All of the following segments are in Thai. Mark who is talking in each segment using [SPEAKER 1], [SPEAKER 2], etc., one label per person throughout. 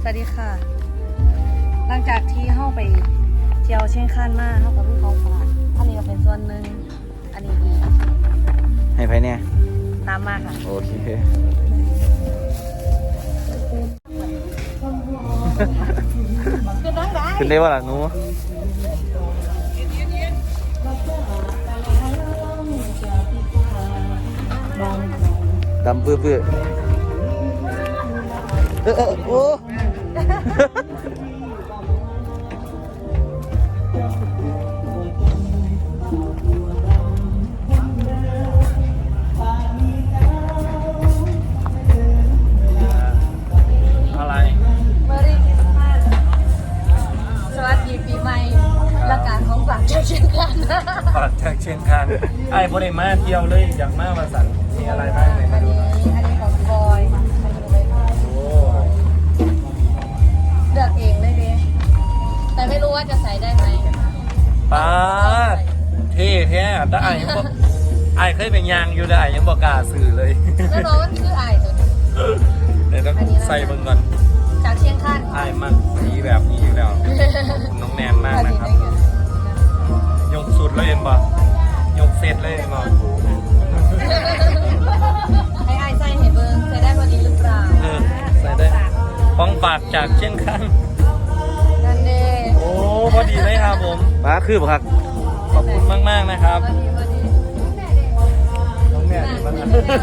[SPEAKER 1] สวัสดีค่ะหลังจากที่เข้าไปเที่ยวเชียงคานมาเข้ากับพี่เขาฝากอันนี้ก็เป็นส่วนหนึ่งอันนี้อีก
[SPEAKER 2] ให้ไปเนี่ย
[SPEAKER 1] ตามมาค่ะ
[SPEAKER 2] โอเคขึ้นได้ว่าล่ะหนูดำเปื้อโอ้
[SPEAKER 1] อะไรเมอรี่คริสต์มาสสวัสดีปีใหม่และการของฝากจากเชียงคาน
[SPEAKER 3] ฝากจากเชียงคานไอ้พอได้มาเที่ยวเลยอยากมาสั่งมีอะไรบ้างในมาดู
[SPEAKER 1] อันนี้ของบอย
[SPEAKER 3] โอ้
[SPEAKER 1] เลือกเองเลยดิแต่ไม่รู้ว่าจะใส่ได้ไหม
[SPEAKER 3] ป้าเท่แท้แต่ไอ้ยังบอกไอ้เคยเป็นยางอยู่ได้ยังบอกกล้าสื่อเลย
[SPEAKER 1] แล้วน้องมันคือไอ้ตัว
[SPEAKER 3] เดี๋ยวต้องใส่เบิ่งก่อน
[SPEAKER 1] จากเชียงคาน
[SPEAKER 3] ไอ้มันสีแบบนี้อยู่แล้วน้องแนนมากนะครับยกสุดเลยเห็นป่ะยกเซตเลยเห็นป่ะ
[SPEAKER 1] ให้ไอ้ใส่เห็นเบิ้งใส่ได้พอดีหรือเปล่า
[SPEAKER 3] ใส่ได้ของฝากจากเชียงคาน
[SPEAKER 1] นั่นเด้
[SPEAKER 3] โอ้พอดีเลยครับผม
[SPEAKER 2] มาคือบ่ครับ
[SPEAKER 3] ขอบคุณมากๆนะครับน้องแนนมัน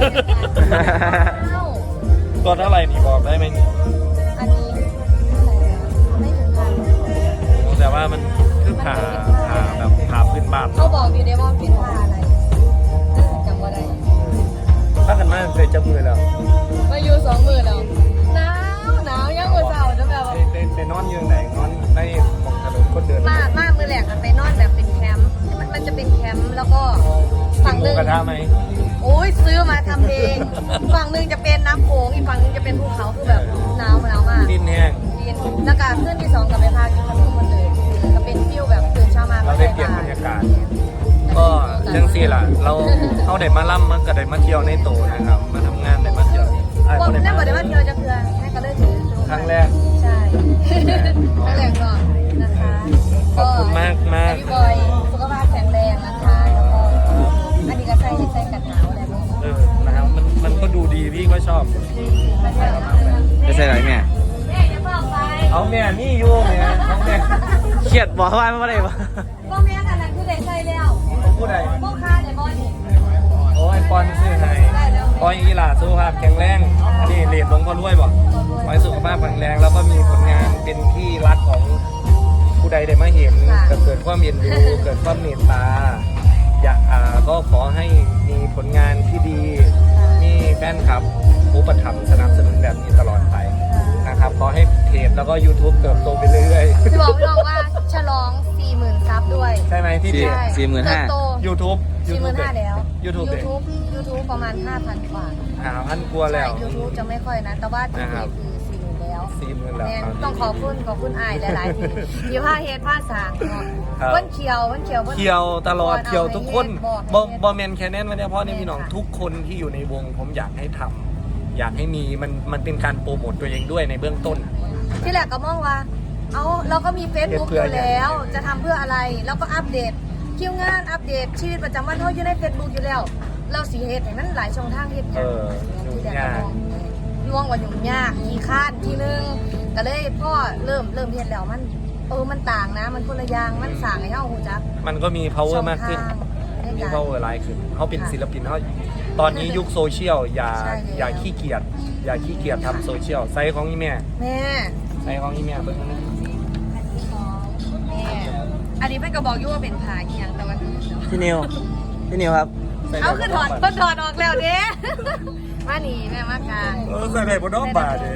[SPEAKER 3] ตัวเท่าไหร่นี่บอกได้ไหมนี่
[SPEAKER 1] อันนี้ไม่ถึงพัน
[SPEAKER 3] แต่ว่ามันคือผ่าแบบผ่าพื้นบ้าน
[SPEAKER 1] เขาบอกอยู่ในว่าเป็นผ้าอะไรจำว่าได้
[SPEAKER 3] ถ้ากันมากเคยจับมือแล้ว
[SPEAKER 1] มาอยู่20,000แล้วหนาวยังหัวเสาจะแบบ
[SPEAKER 3] ไปนอนอยู่ไหนนอนในของถนนคนเดิน
[SPEAKER 1] มามือแหลกไปนอนแบบเป็นแคมป์มันจะเป็นแคมป์แล้วก็ฝั่งนึง
[SPEAKER 3] กระทะไหม
[SPEAKER 1] โอ้ยซื้อมาทำเองฝั่งนึงจะเป็นน้ำโขงอีกฝั่งนึงจะเป็นภูเขาคือแบบหนาวมาก
[SPEAKER 3] ดินแห้ง
[SPEAKER 1] ดินแล้วก็ขึ้นที่2กับไปพากินขนมคนเลยก็เป็นฟิวแบบตื่นเช้ามา
[SPEAKER 3] เราได้เปลี่ยนบรรยากาศก็จังซี่ล่ะเราเข้าได้มาล่ำมันก็ได้มาเที่ยวในโตนะครับมาทำงานได้มาเที่ยว
[SPEAKER 1] พวกนั่นบอกได้ว่าเที่ยวจะเพื่อให้ก็เลยถือ
[SPEAKER 3] ครั้งแรก
[SPEAKER 1] ใช่ครั้งแรกก่อนนะคะ
[SPEAKER 3] ขอบคุณมาก
[SPEAKER 1] พี่บอยสุขภาพแข็งแรงนะคะแล้วก็อันนี้ก็ใส่กันหนาวอะไรบ้าง
[SPEAKER 3] นะครับมันก็ดูดีพี่ก็ชอบ
[SPEAKER 2] ไม่ใช่ไรแม่
[SPEAKER 3] เอาแม่นี่อยู่แม่น้องแม่
[SPEAKER 2] เครียดบอกว่าไม่ได้ปะ
[SPEAKER 1] พวกแม่กันนั้นคือได้ใส่แล้ว
[SPEAKER 3] ผู้ใด
[SPEAKER 1] พวกค้าได้บอยนี่
[SPEAKER 3] โอ้ยปอนซื้อให้ปอยอีหล่าสุขภาพแข็งแรงอันนี้เรียนลงพอรวยบอกปอยสุขภาพแข็งแรงแล้วก็มีผลงานเป็นที่รักของผู้ใดได้มาเห็นเกิดความเย็นดูเกิดความเมตตาอยากก็ขอให้มีผลงานที่ดีมีแฟนคลับอุปถัมภ์สนับสนุนแบบนี้ตลอดไปนะครับขอให้เพจแล้วก็ YouTube เติบโตไปเรื่อย
[SPEAKER 1] ๆจะบอกพี่น้องว่าฉลอง 40,000 ซับด้วย
[SPEAKER 3] ใช่ไหมที่เพจ
[SPEAKER 2] 45,000
[SPEAKER 3] YouTube
[SPEAKER 1] 45,000แล้ว
[SPEAKER 3] YouTube
[SPEAKER 1] ประมาณ 5,000 กว่า
[SPEAKER 3] 5,000 กว่าแล้ว
[SPEAKER 1] YouTube จะไม่ค่อยนะแต่ว่าที่เพจคือ40,000แล้วต้องขอบคุณอ้ายหลายๆที่พาเฮ็ดพาสร้างเนาะเพิ่นเขียว
[SPEAKER 3] ตลอดเขียวทุกคนบ่แม่นแค่นั้นวันนี้เพราะนี่พี่น้องทุกคนที่อยู่ในวงผมอยากให้ทำอยากให้มีมันเป็นการโปรโมทตัวเองด้วยในเบื้องต้น
[SPEAKER 1] ที่แรกก็มองว่าเราก็มี Facebook อยู่แล้วจะทำเพื่ออะไรแล้วก็อัปเดตคิวงานอัปเดตชีวิตประจำวันเขาอยู่ใน Facebook อยู่แล้วเราสีเฮ็ดให้มันหลายช่องทางเฮ็ดที่แรกก็มองว่ายุ่งยากขี้คร้านทีนึงก็เลยพ่อเริ่มเฮ็ดแล้วมันต่างนะมันคนละอย่างมันสร้างให้เฮาฮู้จัก
[SPEAKER 3] มันก็มี power มากขึ้นมี power หลายขึ้นเขาเป็นศิลปินเขาตอนนี้ยุคโซเชียลอย่าขี้เกียจทำโซเชียลไซส์ของนี่แม่ไซส์ของนี่แม่เบิ่ง
[SPEAKER 1] อันนี้เพิ่นก็บอกอยู่ว่าเป็นผ้าอีหยังแต่ว่า
[SPEAKER 2] พี่นิวครับ
[SPEAKER 1] เอาคือถอดออกแล้วเด้มานี่แม่มากลาง
[SPEAKER 3] ใส่ได้บ่น้องบาดเด้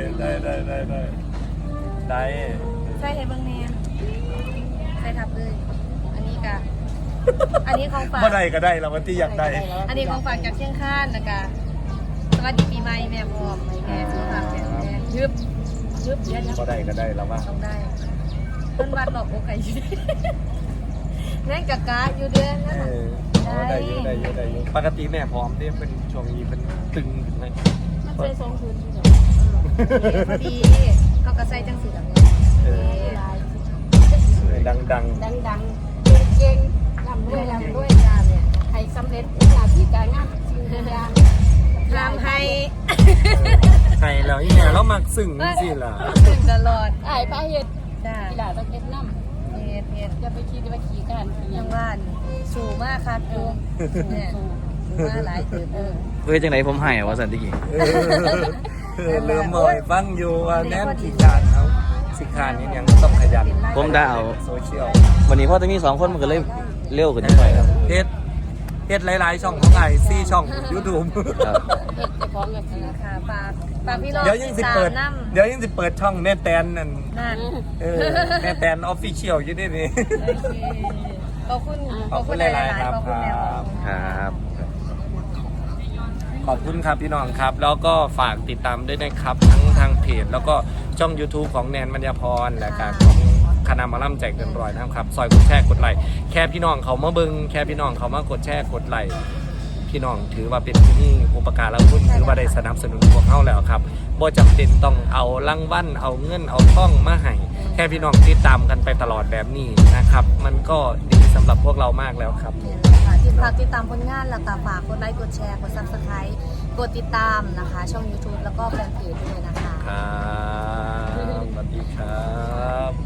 [SPEAKER 3] ได้
[SPEAKER 1] ใส่ให้เบิ่งแม่ใส่ทับเลยอันนี้ของฝาก
[SPEAKER 3] บ่ได้ก็ได้แล้ววันที่อยากได้
[SPEAKER 1] อันนี้ของฝากจากเชียงคานนะคะสวัสดีปีใหม่แม่พร้อมแม่สุขภาพแข็งแรงยึบเดี๋ยว
[SPEAKER 3] บ่ได้ก็ได้แล้วว่า
[SPEAKER 1] ต้องได้เพิ่นวัดหลอกโอไก่แม่งกะอยู่เด้อ
[SPEAKER 3] ได้อยู่ปกติแม่พร้อมที่เป็นช่วงนี้เป็นตึงถึงไหม
[SPEAKER 1] มันใส่2 คืนพอดีเขาก็ใส่จังสีแบบนี้
[SPEAKER 3] ดัง
[SPEAKER 4] ดังเก่งลำด้วยงานเนี่ยให้สำเร็จหน้าที่การงานสิ่งทุกอย่าง
[SPEAKER 1] ทำให้
[SPEAKER 3] ๆใช่แล้วอีเนี่ยเรามักซึ้งสิล่ะ
[SPEAKER 1] ถึงตลอด
[SPEAKER 4] ไอ้พาเฮ็ด
[SPEAKER 1] จ้า
[SPEAKER 4] กีฬาต้องเฮ็ดน้ำ
[SPEAKER 1] เฮ็ด
[SPEAKER 4] อย่าไปคิดว่าขี่การขี่ยั
[SPEAKER 1] ยัง งว่านสูงมากค่ะครูเนี่ยสูงมากหลายถือ
[SPEAKER 2] เฮ้ยจังไหนผมให้อะว่าสันติกี้
[SPEAKER 3] เริ่มมอยฟังอยู่ว่าแน่นขี้ขานเขาสิขานนี่ยังต้องขยัน
[SPEAKER 2] ผมได้เอา
[SPEAKER 3] โซเชียล
[SPEAKER 2] วันนี้พ่อจะมี2คนมันก็เลยเร็วกว่านิดหน่อยครับ
[SPEAKER 3] เฮ็ดหลายๆช่องของไอซี่ช่อง YouTube
[SPEAKER 2] ครับ
[SPEAKER 4] เฮ็ดแต่ของกับขี่
[SPEAKER 1] ค่ะฝากพี่รอง
[SPEAKER 3] เดี๋ยวยังสิเปิด
[SPEAKER 1] น้ำ
[SPEAKER 3] เดี๋ยวยังสิเปิดช่องแม่แตนนั่น
[SPEAKER 1] นั่น
[SPEAKER 3] แม่แตนออฟฟิเชียลอยู่นี่นี่
[SPEAKER 1] โอเคขอบคุณ
[SPEAKER 3] ขอบคุณหลายๆครับ
[SPEAKER 1] ขอบคุณแนว
[SPEAKER 2] ครับ
[SPEAKER 3] ขอบคุณครับพี่น้องครับ แล้วก็ฝากติดตามด้วยนะครับทั้งทางเพจแล้วก็ช่อง YouTube ของแนนมัญญาพรและการของคณะหมอลำใจเกินร้อยนะครับซอยกดแชร์กดไลค์แค่พี่น้องเขามาเบิ่งแค่พี่น้องเขามากดแชร์กดไลค์พี่น้องถือว่าเป็นที่นี่อุปการะคุณถือว่าได้สนับสนุนพวกเขาแล้วครับบ่จำเป็นต้องเอารางวัลเอาเงินเอาท่องมาให้แค่พี่น้องติดตามกันไปตลอดแบบนี้นะครับ มันก็ดีสำหรับพวกเรามากแล้วครับ
[SPEAKER 1] ค่ะฝากติดตามผลงานแล้วก็ฝากกดไลค์กดแชร์กด Subscribe กดติดตามนะคะ ช่อง YouTube แล้วก็แฟนเพจด้วยนะคะ
[SPEAKER 3] ครับสวัสดีครับ